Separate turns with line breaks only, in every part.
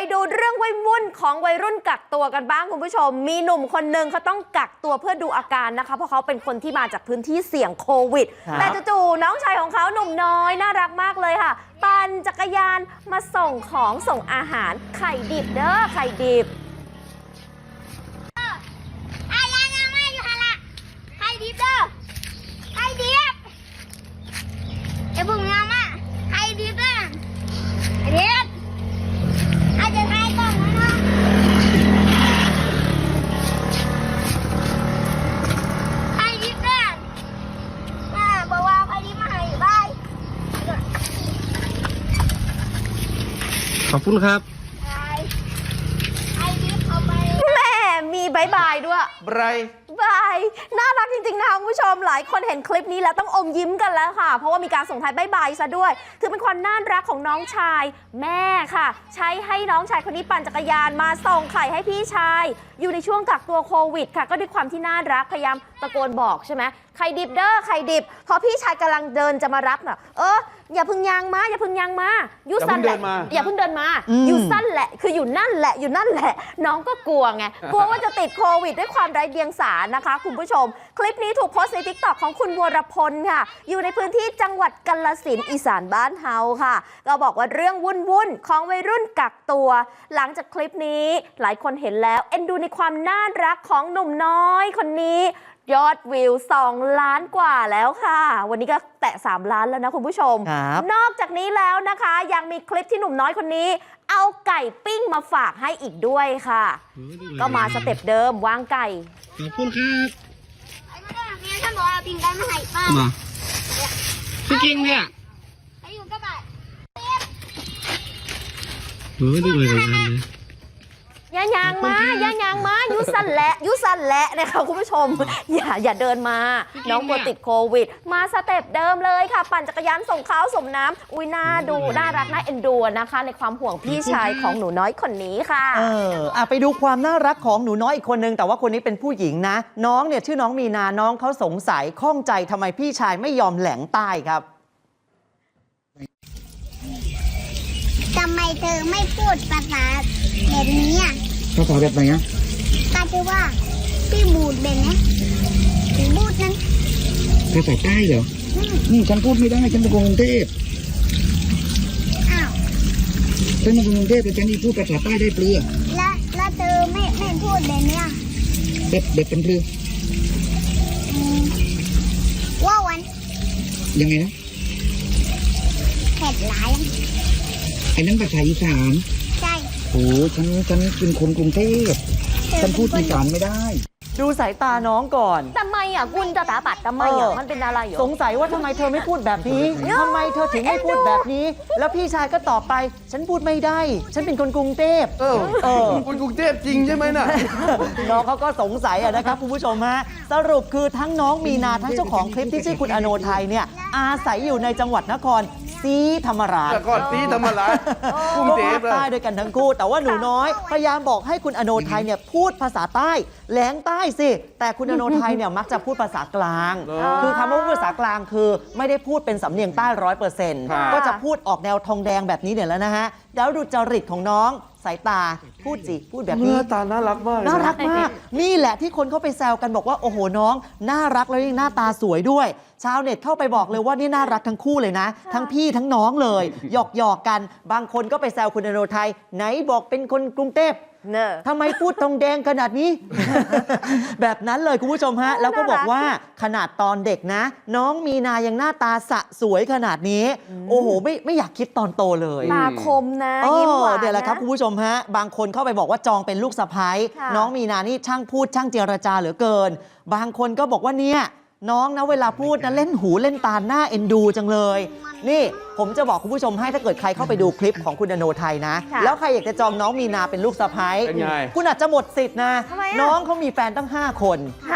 ดูเรื่องวุ่นของวัยรุ่นกักตัวกันบ้างคุณผู้ชมมีหนุ่มคนหนึ่งเขาต้องกักตัวเพื่อดูอาการนะคะเพราะเขาเป็นคนที่มาจากพื้นที่เสี่ยงโควิดแต่จู่ๆน้องชายของเขาหนุ่มน้อยน่ารักมากเลยค่ะปั่นจักรยานมาส่งของส่งอาหารไข่ดิบเด้อไข่ดิบ
ขอบคุณครับ
แม่มีบายบายด้วยบายน่ารักจริงๆนะคะคุณผู้ชมหลายคนเห็นคลิปนี้แล้วต้องอมยิ้มกันแล้วค่ะเพราะว่ามีการส่งท้ายบายบายซะด้วยถือเป็นความน่ารักของน้องชายแม่ค่ะใช้ให้น้องชายคนนี้ปั่นจักรยานมาส่งไข่ให้พี่ชายอยู่ในช่วงกักตัวโควิดค่ะก็ด้วยความที่น่ารักพยายามตะโกนบอกใช่ไหมไข่ดิบเด้อไข่ดิบพอพี่ชายกำลังเดินจะมารับน่ะอย่าพึ่งยางมาอย่าพึ่งยางมายูสั้นแหละอย่าพึ่งเดินมายูสั้นแหละคืออยู่นั่นแหละอยู่นั่นแหละน้องก็กลัวไงกลัวว่าจะติดโควิดด้วยความไร้เดียงสานะคะคุณผู้ชมคลิปนี้ถูกโพสต์ใน TikTok ของคุณวรพลค่ะอยู่ในพื้นที่จังหวัดกาฬสินธุ์อีสานบ้านเฮาค่ะก็บอกว่าเรื่องวุ่นของวัยรุ่นกักตัวหลังจากคลิปนี้หลายคนเห็นแล้วเอ็นดูในความน่ารักของหนุ่มน้อยคนนี้ยอดวิว2 ล้านกว่าแล้วค่ะวันนี้ก็แตะ3 ล้านแล้วนะคุณผู้ชมนอกจากนี้แล้วนะคะยังมีคลิปที่หนุ่มน้อยคนนี้เอาไก่ปิ้งมาฝากให้อีกด้วยค่ะก็มาสเต็ปเดิมวางไก่
ขอบคุณครับ
ท่านบอกว่าปิ้งไก่มาให้ป้า
พี่กิ้งเนี่ย
อยู่กับบ้าน
ดูเลยกันเลย
ย่ายางมายุสันแหละนะคะคุณผู้ชมอย่าเดินมาน้องกลัวติดโควิดมาสเต็ปเดิมเลยค่ะปั่นจักรยานส่งข้าวส่งน้ำอุ้ยน่าดูน่ารักน่าเอ็นดูนะคะในความห่วงพี่ชายของหนูน้อยคนนี้ค่ะ
ไปดูความน่ารักของหนูน้อยอีกคนนึงแต่ว่าคนนี้เป็นผู้หญิงนะน้องเนี่ยชื่อน้องมีนาน้องเขาสงสัยข้องใจทำไมพี่ชายไม่ยอมแหลงใต้ครับ
ทำไมเธอไม่พูดภาษาแบบนี้อ่ะ
ภาษาแบบไหนอ่ะ
ก็คือว่าพี่บูดแบบนี้บูดนั้น
ภาษาใต้เหรอฉันพูดไม่ได้ฉันเป็นคนกรุงเทพ
อ้าว
ฉันเป็นคนกรุงเทพแต่ฉันนี่พูดภาษาใต้ได้เปลือ
แล้วเธอไม่พูดแบบนี้
แบบเป็นเปลือ
ว่าวัน
ยังไงนะ
เผ็ดหลาย
ไอ้นั้นภาษาอีสาน
ใช่
โอ้ฉันเป็นคนกรุงเทพฉันพูดอีสานไม่ได้
ดูสายตาน้องก่อน
ทำไมอ่ะคุณจะตาปัดทำไมอ่ะมันเป็นอะไร
สงสัยว่าทำไมเธอไม่พูดแบบนี้ทำไมเธอถึงไม่พูดแบบนี้แล้วพี่ชายก็ตอบไปฉันพูดไม่ได้ฉันเป็นคนกรุงเทพ
คนกรุงเทพจริงใช่ไหมน่ะ
น้องเขาก็สงสัยนะครับคุณผู้ชมฮะสรุปคือทั้งน้องมีนาทั้งเจ้าของคลิปที่ชื่อคุณอโนไทยเนี่ยอาศัยอยู่ในจังหวัดนครศรีธรรมราช
กรุงเทพ
ใต้ด้วยกันทั้งคู่แต่ว่าหนูน้อยพยายามบอกให้คุณอโนไทยเนี่ยพูดภาษาใต้แหลงใต้สิแต่คุณอโนไทยเนี่ยมักจะพูดภาษากลางคือคำว่าภาษากลางคือไม่ได้พูดเป็นสำเนียงใต้ 100% ก็จะพูดออกแนวทองแดงแบบนี้เนี่ยแล้วนะฮะแล้วดูจริตของน้องสายตาพูดแบบนี้
ตาน่ารักมาก
น่ารักมากนี่แหละที่คนเข้าไปแซวกันบอกว่าโอ้โหน้องน่ารักแล้วยังหน้าตาสวยด้วยชาวเน็ตเข้าไปบอกเลยว่านี่น่ารักทั้งคู่เลยนะทั้งพี่ทั้งน้องเลยหยอกกันบางคนก็ไปแซวคุณอโนไทยไหนบอกเป็นคนกรุงเทพทำไมพูดทองแดงขนาดนี้ แบบนั้นเลยคุณผู้ชมฮะแล้วก็บอกว่าขนาดตอนเด็กนะน้องมีนายังหน้าตาสะสวยขนาดนี้โอ้โหไม่อยากคิดตอนโตเลย
ตาคมนะยิ้มหวาน
เดี๋ยวแหละครับคุณผู้ชมฮะบางคนเข้าไปบอกว่าจองเป็นลูกสะใภ้น้องมีนานี่ช่างพูดช่างเจรจาเหลือเกินบางคนก็บอกว่าเนี่ยน้องนะเวลาพูดนะเล่นหูเล่นตาหน้าเอ็นดูจังเลยนี่ผมจะบอกคุณผู้ชมให้ถ้าเกิดใครเข้าไปดูคลิปของคุณอโนไทยนะแล้วใครอยากจะจองน้องมีนาเป็นลูกสะใภ้คุณอาจจะหมดสิทธิ์นะน้องเขามีแฟนตั้ง5 คน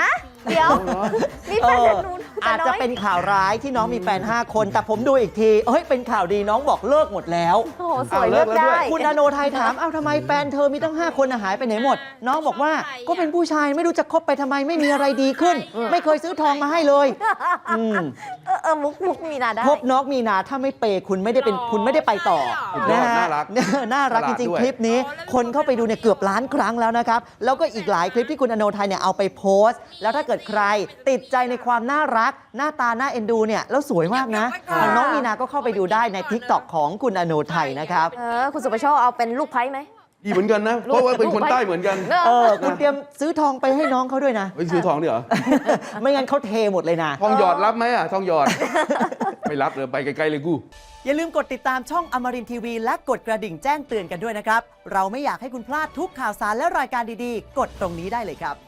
เดี๋ยวมีแฟนแต่หนูแต่
อาจ
น้
จะ
อย
เป็นข่าวร้ายที่น้องมีแฟน 5 คน แต่ผมดูอีกทีเอ้ยเป็นข่าวดีน้องบอกเลิกหมดแล้ว
โอ้โหสวยเลือกได้
คุณอโนไทยถามเอ้าทำไมแฟนเธอมีตั้ง 5 คนหายไปไหนหมด น้องบอกว่าก็เป็นผู้ชายไม่รู้จะคบไปทำไมไม่มีอะไรดีขึ้น ไม่เคยซื้อทองมาให้เลยมุก
มีนาได้
พบน้องมีนาถ้าไม่เปย์คุณไม่ได้เป็นคุณไม่ได้ไปต่อ นะฮะ
น่ารัก
น่ารักจ
ฉลาด
ริง
ด้วย
ๆ คลิปนี้ คนเข้าไปดูเนี่ยเกือบล้านครั้งแล้วนะครับ แล้วก็อีกหลายคลิปที่คุณอโนไทยเนี่ยเอาไปโพสต์ แล้วถ้าเกิดใครติดใจในความน่ารัก หน้าตาน่าเอ็นดูเนี่ยแล้วสวยมากนะทางน้องมีนาก็เข้าไปดูได้ใน TikTok ของคุณอโนไทยนะครับ
คุณสุประโชคเอาเป็นลูกไพ่ไหม
ดีเหมือนกันนะ เพราะว่าเป็นคนใต้เหมือนกัน
คุณเตรียมซื้อทองไปให้น้องเขาด้วยนะ
ไปซื้อทองดิเหรอ
ไม่งั้นเขาเทหมดเลยนะ
ทองหยอดรับไหมอ่ะ ทองหยอด ไม่รับเลยไปไกลๆเลยกู
อย่าลืมกดติดตามช่องอมรินทีวีและกดกระดิ่งแจ้งเตือนกันด้วยนะครับ เราไม่อยากให้คุณพลาดทุกข่าวสารและรายการดีๆ กดตรงนี้ได้เลยครับ